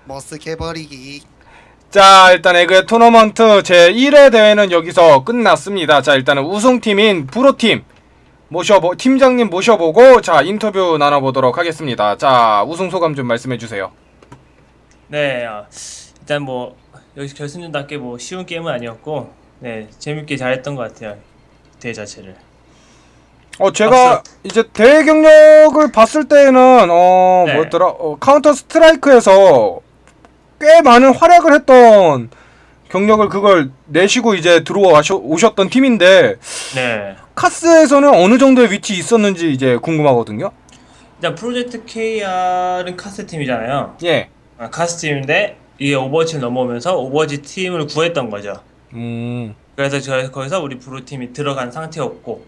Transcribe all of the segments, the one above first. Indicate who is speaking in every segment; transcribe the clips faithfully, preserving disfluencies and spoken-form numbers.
Speaker 1: 머쓱해버리기.
Speaker 2: 자, 일단 에그의 토너먼트 제일 회 대회는 여기서 끝났습니다. 자, 일단은 우승팀인 프로팀 모셔보 팀장님 모셔보고 자 인터뷰 나눠보도록 하겠습니다. 자, 우승 소감 좀 말씀해주세요.
Speaker 3: 네, 어, 일단 뭐 여기 결승전답게 뭐 쉬운 게임은 아니었고, 네 재밌게 잘했던 것 같아요. 대회 자체를.
Speaker 2: 어, 제가 이제 대회 경력을 봤을 때는 어
Speaker 3: 네.
Speaker 2: 뭐였더라? 어, 카운터 스트라이크에서 꽤 많은 활약을 했던 경력을 그걸 내시고 이제 들어와 오셨던 팀인데
Speaker 3: 네.
Speaker 2: 카스에서는 어느 정도의 위치 있었는지 이제 궁금하거든요.
Speaker 3: 일단 프로젝트 케이알은 카스 팀이잖아요.
Speaker 2: 예.
Speaker 3: 아, 카스 팀인데 이게 오버워치를 넘어오면서 오버워치 팀을 구했던 거죠.
Speaker 2: 음.
Speaker 3: 그래서 저 거기서 우리 브루 팀이 들어간 상태였고,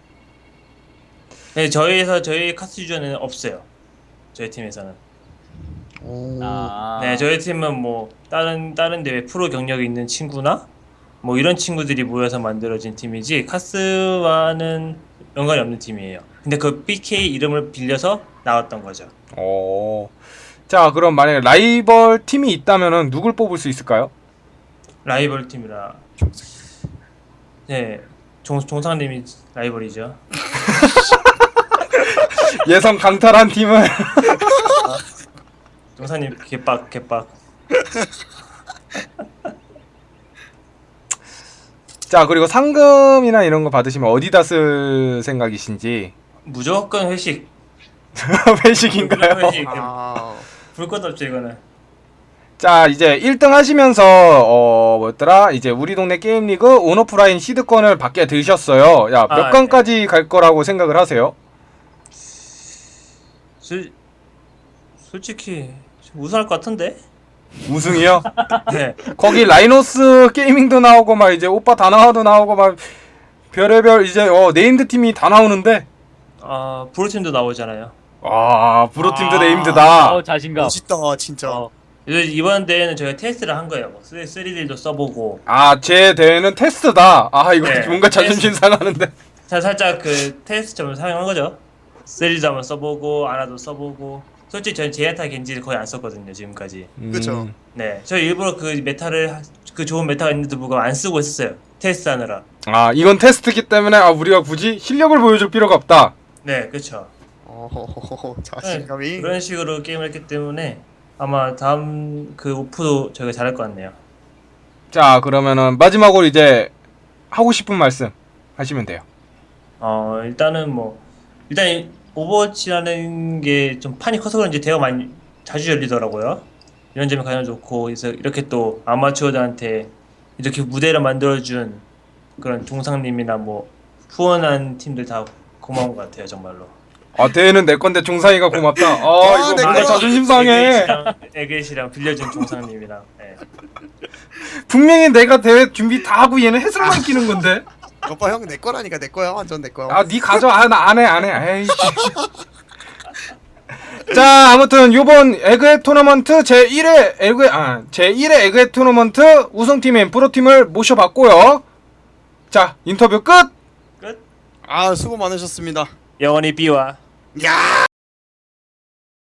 Speaker 3: 네 저희에서 저희 카스 유저는 없어요. 저희 팀에서는.
Speaker 1: 오.
Speaker 4: 아.
Speaker 3: 네 저희 팀은 뭐 다른 다른 대회 프로 경력이 있는 친구나 뭐 이런 친구들이 모여서 만들어진 팀이지 카스와는 연관이 없는 팀이에요. 근데 그 비케이 이름을 빌려서 나왔던 거죠.
Speaker 2: 어. 자, 그럼 만약에 라이벌 팀이 있다면은 누굴 뽑을 수 있을까요?
Speaker 3: 라이벌 팀이라. 네, 종 종상님이 라이벌이죠.
Speaker 2: 예선 강탈한 팀은
Speaker 3: 종상님 개빡 개빡.
Speaker 2: 자, 그리고 상금이나 이런 거 받으시면 어디다 쓸 생각이신지.
Speaker 3: 무조건 회식.
Speaker 2: 회식인가요?
Speaker 3: 회식.
Speaker 1: 아.
Speaker 3: 불 것 없죠 이거는.
Speaker 2: 자, 이제 일 등 하시면서 어 뭐였더라? 이제 우리 동네 게임 리그 온오프라인 시드권을 받게 되셨어요. 야, 몇
Speaker 3: 아,
Speaker 2: 강까지 갈 거라고 생각을 하세요?
Speaker 3: 솔 솔직히 우승할 것 같은데.
Speaker 2: 우승이요?
Speaker 3: 네.
Speaker 2: 거기 라이노스 게이밍도 나오고 막 이제 오빠 다나와도 나오고 막 별의별 이제 어 네임드 팀이 다 나오는데
Speaker 3: 아 브루 팀도 나오잖아요.
Speaker 2: 아, 프로팀도
Speaker 1: 아.
Speaker 2: 네임드다.
Speaker 4: 어 자신감.
Speaker 1: 멋있다 진짜.
Speaker 3: 어. 이제 이번 대회는 저희가 테스트를 한 거예요. 뭐 쓰리디도 써보고.
Speaker 2: 아, 제 대회는 테스트다. 아, 이거
Speaker 3: 네,
Speaker 2: 뭔가 자존심
Speaker 3: 테스트.
Speaker 2: 상하는데.
Speaker 3: 자 살짝 그 테스트점을 사용한 거죠. 쓰리디도 한번 써보고 아나도 써보고. 솔직히 저는 제야타 겐지를 거의 안 썼거든요 지금까지.
Speaker 1: 그쵸.
Speaker 2: 음.
Speaker 3: 네, 저 일부러 그 메타를 하- 그 좋은 메타가 있는데도 불구하고 안 쓰고 있었어요. 테스트하느라.
Speaker 2: 아, 이건 테스트기 때문에 아 우리가 굳이 실력을 보여줄 필요가 없다.
Speaker 3: 네, 그렇죠.
Speaker 1: 어.
Speaker 3: 네,
Speaker 1: 자신감이.
Speaker 3: 그런 식으로 게임을 했기 때문에 아마 다음 그 오프도 저희가 잘할 것 같네요.
Speaker 2: 자, 그러면은 마지막으로 이제 하고 싶은 말씀 하시면 돼요.
Speaker 3: 어 일단은 뭐 일단 이 오버워치라는 게 좀 판이 커서 그런지 대회가 많이 자주 열리더라고요. 이런 점이 가장 좋고, 그래서 이렇게 또 아마추어들한테 이렇게 무대를 만들어준 그런 종상님이나 뭐 후원한 팀들 다 고마운 것 같아요 정말로.
Speaker 2: 아, 대회는 내 건데 종상이가 고맙다. 아,
Speaker 1: 와,
Speaker 2: 이거
Speaker 1: 내
Speaker 2: 뭔가
Speaker 1: 거야.
Speaker 2: 자존심 상해.
Speaker 3: 에겟이랑, 에겟이랑 빌려준 종상님이랑. 예.
Speaker 2: 분명히 내가 대회 준비 다 하고 얘는 해설만 끼는 건데.
Speaker 1: 오빠 형 내 거라니까 내 거야 완전 내 거야.
Speaker 2: 아, 니 가져. 아, 나 안 해, 안 해. 에이. 자, 아무튼 요번 에그의 토너먼트 제일 회 에그 아, 제일 회 에그의 토너먼트 우승팀인 프로팀을 모셔봤고요. 자, 인터뷰 끝.
Speaker 3: 끝.
Speaker 1: 아 수고 많으셨습니다.
Speaker 3: 영원히 B와
Speaker 1: 야.